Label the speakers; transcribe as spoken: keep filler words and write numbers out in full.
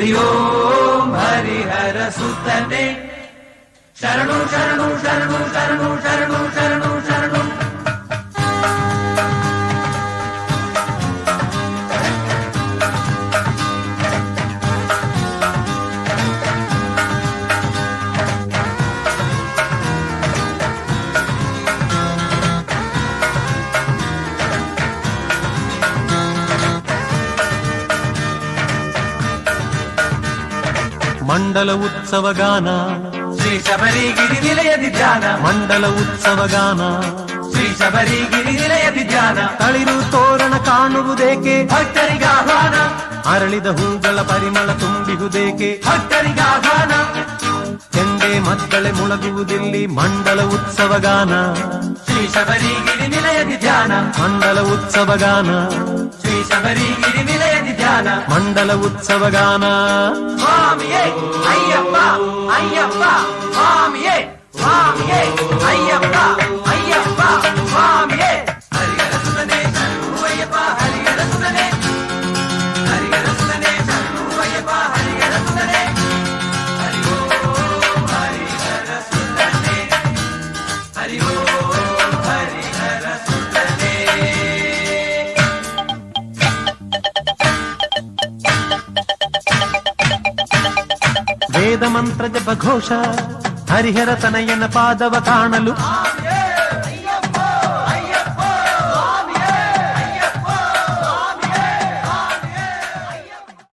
Speaker 1: ಹರಿ ಓಂ ಹರಿಹರ ಸುತನೆ ಶರಣು ಶರಣು ಶರಣು ಶರಣು ಶರಣು ಶರಣು ಶರಣು.
Speaker 2: ಮಂಡಲ ಉತ್ಸವ ಗಾನ
Speaker 1: ಶ್ರೀ ಶಬರಿಗಿರಿ ನಿಲಯದಿ ಧ್ಯಾನ.
Speaker 2: ಮಂಡಲ ಉತ್ಸವ ಗಾನ
Speaker 1: ಶ್ರೀ ಶಬರಿಗಿರಿ ನಿಲಯದಿ ಧ್ಯಾನ.
Speaker 2: ತಳಿರು ತೋರಣ ಕಾಣುವುದೇಕೆ
Speaker 1: ಭಕ್ತರಿಗಾಹ್ವಾನ.
Speaker 2: ಅರಳಿದ ಹೂಗಳ ಪರಿಮಳ ತುಂಬಿಹುದೇಕೆ
Speaker 1: ಭಕ್ತರಿಗಾಹ್ವಾನ.
Speaker 2: ಚೆಂಡೆ ಮದ್ದಳೆ ಮುಳಗುವುದಿಲ್ಲಿ ಮಂಡಲ ಉತ್ಸವ ಗಾನ.
Speaker 1: ಶ್ರೀ ಶಬರಿಗಿರಿ ನಿಲಯದಿ ಧ್ಯಾನ.
Speaker 2: ಮಂಡಲ ಉತ್ಸವ ಗಾನ
Speaker 1: ಶ್ರೀ ಶಬರಿಗಿರಿ ನಿಲಯದಿ ಧ್ಯಾನ.
Speaker 2: ಮಂಡಲ ಉತ್ಸವ ಗಾನ.
Speaker 1: ಸ್ವಾಮಿಯೇ ಅಯ್ಯಪ್ಪ ಅಯ್ಯಪ್ಪ ಸ್ವಾಮಿಯೇ ಸ್ವಾಮಿಯೇ ಅಯ್ಯಪ್ಪ ಅಯ್ಯಪ್ಪ ಸ್ವಾಮಿಯೇ. ಹರಿಹರ ಸುತನೆ ಶರಣು ಅಯ್ಯಪ್ಪ ಹರಿಹರ ಸುತನೆ. ಹರಿಹರ ಸುತನೆ ಶರಣು ಅಯ್ಯಪ್ಪ ಹರಿಹರ ಸುತನೆ. ಹರಿ ಓಂ ಹರಿಹರ ಸುತನೆ. ಹರಿ ಓಂ ಹರಿಹರ ಸುತನೆ.
Speaker 2: ವೇದ ಮಂತ್ರ ಜಪ ಘೋಷ ಹರಿಹರ ತನಯನ ಪಾದವ ಕಾಣಲು